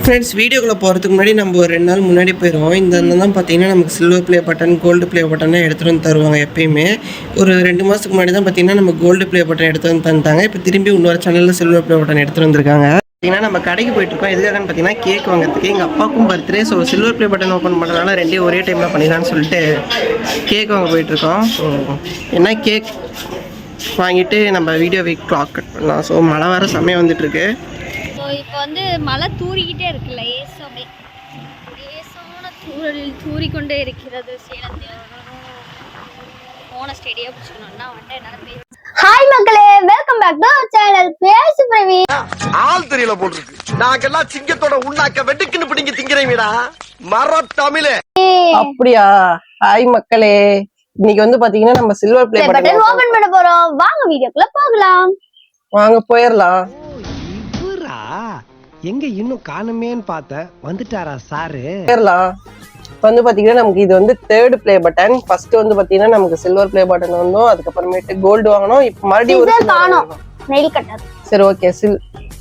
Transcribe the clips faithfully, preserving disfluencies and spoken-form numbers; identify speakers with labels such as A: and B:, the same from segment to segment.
A: Friends, வீடியோக்குள்ளே போகிறதுக்கு முன்னாடி நம்ம ஒரு ரெண்டு நாள் முன்னாடி போயிடுவோம். இந்த தான் பார்த்தீங்கன்னா நமக்கு silver play button, gold play பட்டனை எடுத்துகிட்டு வந்து தருவாங்க. எப்பயுமே ஒரு ரெண்டு மாதத்துக்கு முன்னாடி தான் பார்த்தீங்கன்னா நம்ம கோல்டு ப்ளே பட்டன் எடுத்து வந்து தந்துட்டாங்க. இப்போ திரும்பி இன்னொரு சேனலில் சில்வர் ப்ளே பட்டன் எடுத்துகிட்டு வந்திருக்காங்க. பார்த்தீங்கன்னா நம்ம கடைக்கு போயிட்டுருக்கோம். எதுக்காகன்னு பார்த்தீங்கன்னா கேக் வாங்குறதுக்கு. எங்கள் அப்பாவுக்கும் birthday. So silver play button open பண்ணுறதுனால ரெண்டே ஒரே டைமில் பண்ணிடலான்னு சொல்லிட்டு கேக் வாங்க போயிட்டுருக்கோம். ஸோ என்ன கேக் வாங்கிட்டு நம்ம வீடியோ வீக் கிளாக் கட் பண்ணலாம். ஸோ மழை வர சமயம் வந்துட்டுருக்கு.
B: இப்போ வந்து மழை தூறிக்கிட்டே இருக்குல்ல, ஏசமே ஏசான தூரல் தூறிக்கொண்டே இருக்கிறது சேலத்தில். போன ஸ்டேடியா பிடிச்சிக்கணும்னா வந்துட்டு என்னால் பேச. ஹாய் மக்களே, welcome back to our channel பேசு பிரவி.
C: ஆள் தெரியல போட்டுருக்கு. நாங்கெல்லாம் சிங்கத்தோட உண்ணாக்க வெட்டுக்குன்னு பிடிங்க திங்கிறீங்கடா மர தமிழே.
A: அப்படியா? ஹாய் மக்களே, இன்னைக்கு வந்து பாத்தீங்கன்னா நம்ம சில்வர் ப்ளே பட்டன்
B: ஓபன் பண்ண போறோம். வாங்க வீடியோக்குள்ள போகலாம்.
A: வாங்க போயிடலாம்.
D: எங்க இன்னும் காணுமேன்னு பார்த்தேன், வந்துட்டாரா சாரு?
A: போயிடலாம். இப்போ வந்து பாத்தீங்கன்னா நமக்கு இது வந்து தேர்ட் ப்ளே பட்டன். ஃபர்ஸ்ட் வந்து பாத்தீங்கன்னா நமக்கு சில்வர் ப்ளே பட்டன் வந்தோம், அதுக்கப்புறமேட்டு கோல்டு வாங்கணும். இப்போ மறுபடியும் ஒரு
B: காணோம் நெயில் கட்டர்.
A: சரி, ஓகே. சில்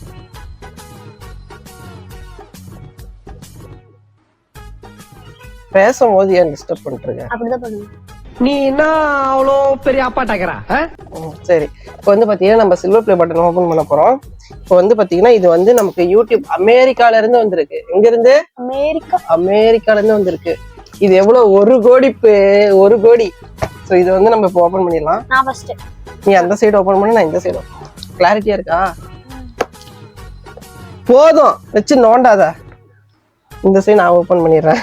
A: பேசும்போது ஏன் டிஸ்டர்ப் பண்ணிட்டு
B: அப்படிதான் பண்ணுங்க.
D: நீ என்ன அவ்வளோ பெரிய அப்பாட்டாக்கிறா?
A: சரி, இப்போ வந்து பாத்தீங்கன்னா நம்ம சில்வர் ப்ளே பட்டன் ஓபன் பண்ண போறோம். இப்போ வந்து பாத்தீங்கன்னா இது வந்து நமக்கு யூடியூப் அமெரிக்கால இருந்து வந்திருக்கு. எங்க இருந்து?
B: அமெரிக்கா.
A: அமெரிக்கால இருந்து வந்திருக்கு. இது எவ்வளவு? ஒரு கோடி ஒரு கோடி. சோ இது வந்து நம்ம இப்போ ஓபன் பண்ணிடலாம்.
B: நான் ஃபர்ஸ்ட்.
A: நீ அந்த சைடு ஓபன் பண்ணு, நான் இந்த சைடு. கிளாரிட்டியா இருக்கா? போதும், வச்சு நோண்டாத. இந்த சைடு நான் ஓபன் பண்ணிடுறேன்.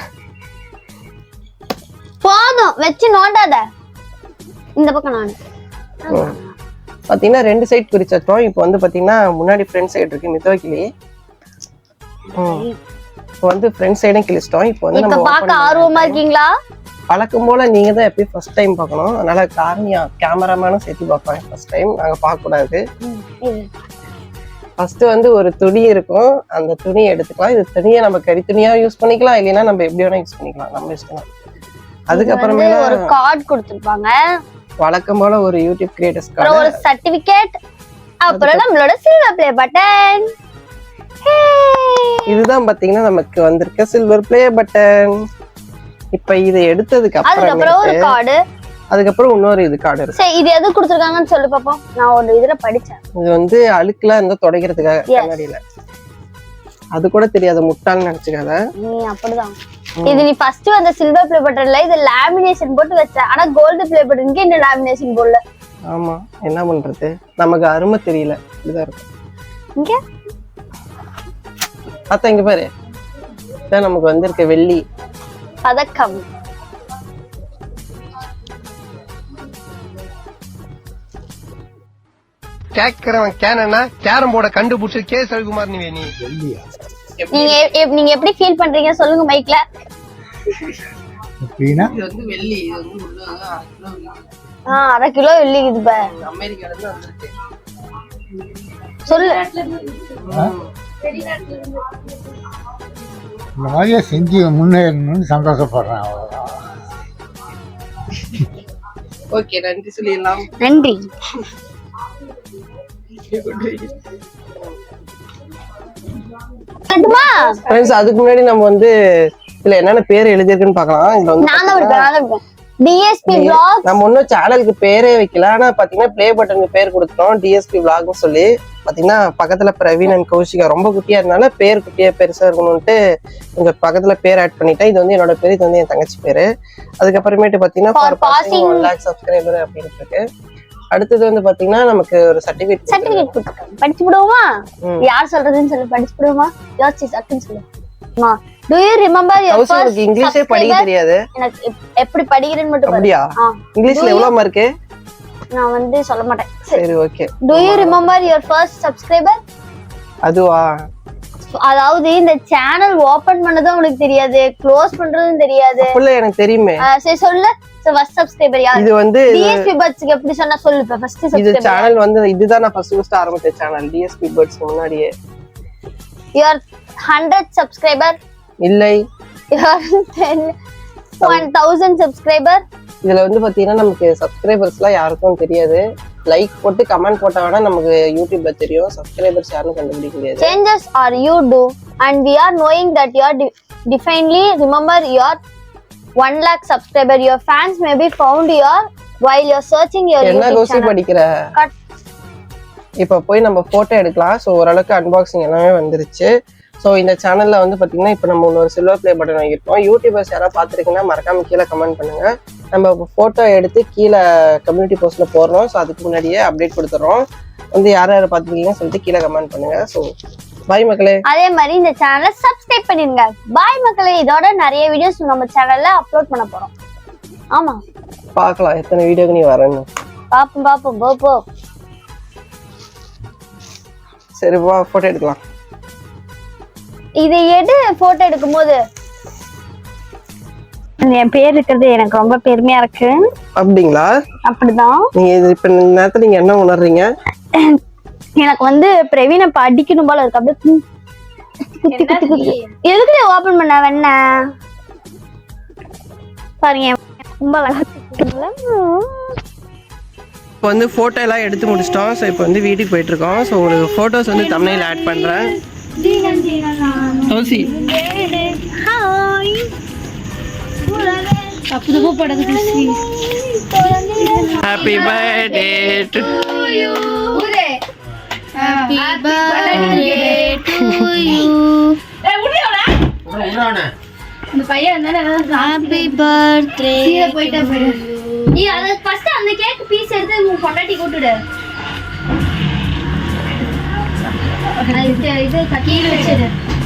B: போதும், வச்சு நோண்டாத. இந்த பக்கம் நான்
A: பாத்தீங்கன்னா ரெண்டு சைட் பிரிச்சோம். இப்போ வந்து பாத்தீங்கன்னா முன்னாடி ஃப்ரண்ட் சைடு இருக்கு மிதோக்கிளி. இப்போ வந்து ஃப்ரண்ட் சைடும் கிழிச்சிட்டோம். இப்போ வந்து நம்ம
B: பார்க்க ஆர்வமா இருக்கீங்களா?
A: பழக்கம் போல நீங்க தான் எப்பயும் ஃபர்ஸ்ட் டைம் பார்க்கணும். அதனால காரணியா கேமராமேனும் சேர்த்து பார்ப்பாங்க. ஃபர்ஸ்ட் டைம் நாங்க பார்க்க கூடாது. ஃபர்ஸ்ட் வந்து ஒரு துணி இருக்கும், அந்த துணியை எடுத்துக்கலாம். இது துணியை நம்ம கறி துணியா யூஸ் பண்ணிக்கலாம், இல்லைன்னா நம்ம எப்படி வேணா யூஸ் பண்ணிக்கலாம், நம்ம இஷ்டம். அதுக்கப்புறமே
B: ஒரு கார்டு கொடுத்திருப்பாங்க.
A: வழக்கம் போல ஒரு யூடியூப் கிரியேட்டர்ஸ் கார்டு,
B: ஒரு சர்டிபிகேட், அப்புறம் நம்மளோட சில்வர் ப்ளே பட்டன்.
A: இதுதான் பாத்தீங்கன்னா நமக்கு வந்திருக்க சில்வர் ப்ளே பட்டன். இப்ப இதை எடுத்ததுக்கு
B: அப்புறம் ஒரு கார்டு,
A: அதுக்கப்புறம் இன்னொரு இது கார்டு இருக்கு.
B: சரி, இது எது கொடுத்திருக்காங்கன்னு சொல்லு பாப்போம். நான் ஒரு இதுல படிச்சேன்.
A: இது வந்து அழுக்குலாம் இருந்தா துடைக்கிறதுக்காக கண்ணாடியில. அது கூட தெரியாத முட்டாள்னு நினைச்சுக்காத
B: நீ. அப்படிதான். இது நீ ஃபர்ஸ்ட் வந்த சில்வர் ப்ளே பட்டன்ல இது லேமினேஷன் போட்டு வச்ச. ஆனா கோல்டு ப்ளே பட்டனுக்கு இந்த லேமினேஷன் போடல.
A: ஆமா, என்ன பண்றது, நமக்கு அருமை தெரியல. இப்படிதான் இருக்கும்.
B: இங்க
A: அத்த இங்க பாரு, இதான் நமக்கு வந்திருக்க வெள்ளி
B: பதக்கம்.
C: கேக்குறவன் கேனா கேரம் போர்ட கண்டுபிடிச்சு கே ரவிக்குமார் நீ நீ
B: நீங்க நீங்க எப்படி ஃபீல் பண்றீங்க சொல்லுங்க மைக்ல.
A: இது வந்து வெள்ளி. இது வந்து
B: ஆ அரை கிலோ வெள்ளி. இது பா
A: அமெரிக்கால இருந்து வந்திருக்கு.
B: சொல்லு.
E: இந்த மாதிரியே செஞ்சு முன்னேறணும்னு சந்தோஷப்படுறேன். அவ்வளவுதான்.
A: ஓகே, நன்றி சொல்லிடலாம்.
B: நன்றி.
A: அதுக்கு முன்னாடி நம்ம வந்து இதுல என்னென்ன பேர் எழுதிருக்குன்னு பாக்கலாம். இதுல வந்து
B: டிஎஸ்பி vlogs.
A: நம்ம ஒன்னும் சேனலுக்கு பேரே வைக்கல. ஆனா பாத்தீங்கன்னா ப்ளே பட்டனுக்கு பேர் கொடுத்துட்டோம், டிஎஸ்பி vlogனு சொல்லி. பாத்தீங்கன்னா பக்கத்துல பிரவீன் அண்ட் கௌஷிகா ரொம்ப குட்டியா இருந்தால பேர் குட்டியா பெருசா இருக்கணும்ட்டு உங்க பக்கத்துல பேர் ஆட் பண்ணிட்டேன். இது வந்து என்னோட பேரு, இது வந்து என் தங்கச்சி பேரு. அதுக்கப்புறமேட்டு பாத்தீங்கன்னா ஒன் லேக் சப்ஸ்கிரைபர் அப்படின்னு இருக்கு. அடுத்தது வந்து பாத்தீங்கன்னா நமக்கு ஒரு சர்டிபிகேட்
B: சர்டிபிகேட் கொடுத்துருக்காங்க. படிச்சு விடுவோமா? யார் சொல்றதுன்னு சொல்லி படிச்சு விடுவோமா? யோசிச்சு சட்டுன்னு சொல்லுமா. Do you remember your first
A: இங்கிலீஷே படிக்க தெரியாது.
B: எனக்கு எப்படி படிக்கிறேன்னு மட்டும்
A: அப்படியா? இங்கிலீஷ்ல எவ்வளவு மார்க்?
B: நான் வந்து சொல்ல மாட்டேன்.
A: சரி, okay.
B: Do you remember your first subscriber?
A: அதுவா?
B: அதாவது இந்த சேனல் ஓபன் பண்ணதும் உங்களுக்கு தெரியாது, க்ளோஸ் பண்றதும் தெரியாது.
A: அப்பல எனக்கு தெரியுமே.
B: சரி சொல்லு. ஃபர்ஸ்ட் சப்ஸ்கிரைபர் யார்?
A: இது வந்து
B: டிஎஸ்பி பர்ட்ஸ்க்கு எப்படி சொன்னா சொல்லு. இப்ப ஃபர்ஸ்ட் சப்ஸ்கிரைபர்.
A: இது சேனல் வந்து இதுதான் நான் ஃபர்ஸ்ட் ஃபர்ஸ்ட் ஆரம்பிச்ச சேனல், டிஎஸ்பி பர்ட்ஸ்க்கு முன்னாடியே.
B: your hundred subscriber?
A: இல்லை.
B: your one thousand subscriber?
A: இதுல வந்து பாத்தீங்கன்னா நமக்கு சப்ஸ்கிரைபர்ஸ் எல்லாம் யாருக்கும் தெரியாது. லைக் போட்டு கமெண்ட் போட்டா வேணா நமக்கு யூடியூப்ல தெரியும். சப்ஸ்கிரைபர்ஸ் யாரும் கண்டுபிடிக்க முடியாது.
B: Changes or you do and we are knowing that you are de- definitely remember your one lakh subscriber. Your fans may be found your while you're searching your
F: என்ன
B: YouTube
F: கோசி
B: channel.
F: படிக்கிற?
B: Cut.
F: இப்போ போய் நம்ம photo எடுக்கலாம். So ஓரளவுக்கு unboxing எல்லாமே வந்துருச்சு. So இந்த சேனலில் வந்து பார்த்தீங்கன்னா இப்போ நம்ம இன்னொரு சில்வர் ப்ளே பட்டன் வாங்கியிருக்கோம். யூடியூபர்ஸ் யாராவது பார்த்துருக்கீங்கன்னா மறக்காம கீழே கமெண்ட் பண்ணுங்கள். நம்ம ஃபோட்டோ எடுத்து கீழே கம்யூனிட்டி போஸ்ட்டில் போடுறோம். ஸோ அதுக்கு முன்னாடியே அப்டேட் கொடுத்துட்றோம். வந்து யார் யாரை பார்த்துருக்கீங்கன்னு சொல்லிட்டு கீழே கமெண்ட் பண்ணுங்கள். ஸோ பாய் மக்களே.
B: அதே மாதிரி இந்த சேனலை சப்ஸ்கிரைப் பண்ணிருங்க. பாய் மக்களே. இதோட நிறைய வீடியோஸ் நம்ம சேனல்ல அப்லோட் பண்ண போறோம். ஆமா,
F: பார்க்கலாம் எத்தனை வீடியோக்கு நீ வரணும்.
B: பாப்போம் பாப்போம் போ போ.
F: சரி வா ஃபோட்டோ எடுக்கலாம்.
B: இதை எடு. போட்டோ எடுக்கும் போது என் பேர் இருக்கிறது எனக்கு ரொம்ப பெருமையா இருக்கு.
F: அப்படிங்களா?
B: அப்படிதான்.
F: நீங்க இது இப்ப இந்த நேரத்துல நீங்க என்ன உணர்றீங்க?
B: எனக்கு வந்து பிரவீனை இப்ப அடிக்கணும் போல இருக்கு. அப்படியே குத்தி குத்தி குத்தி குத்தி. எதுக்கு ஓபன் பண்ண வேண பாருங்க. ரொம்ப அழகா இருக்குல்ல?
F: இப்போ வந்து ஃபோட்டோ எல்லாம் எடுத்து முடிச்சிட்டோம். ஸோ இப்போ வந்து வீட்டுக்கு போயிட்டு இருக்கோம். ஸோ ஒரு ஃபோட்டோஸ் வந்து தம்ப்நெயில் ஆட் பண்ணுறேன். தோசி
B: ஹாய். அப்போ படகு குசி.
F: Happy birthday to
B: you. Happy birthday to you. ஏ முடியலடா. உடனே. இந்த பையன் தான ஹாப்பி பர்த்டே. சீல போய்டா போடு. நீ அத ஃபர்ஸ்ட் அந்த கேக் பீஸ் எடுத்து உன் பொண்டாட்டி கூட்டுடு. அது இது கீழ வச்சிடு.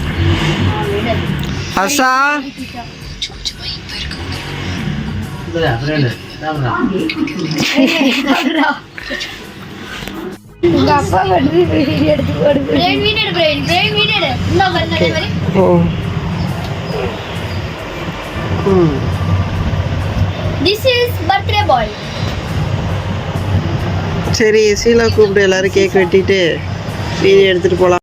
F: ஹர்ஷா
B: உங்க அப்பா வந்து வீடியோ எடுத்து போடு. Brain video brain brain video எடு. இந்த வந்து மாதிரி.
F: ம்
B: This is birthday boy.
F: சரி சீலா கூப்பிட்டு எல்லாரும் கேக் வெட்டிட்டு வீடியோ எடுத்துட்டு போகலாம்.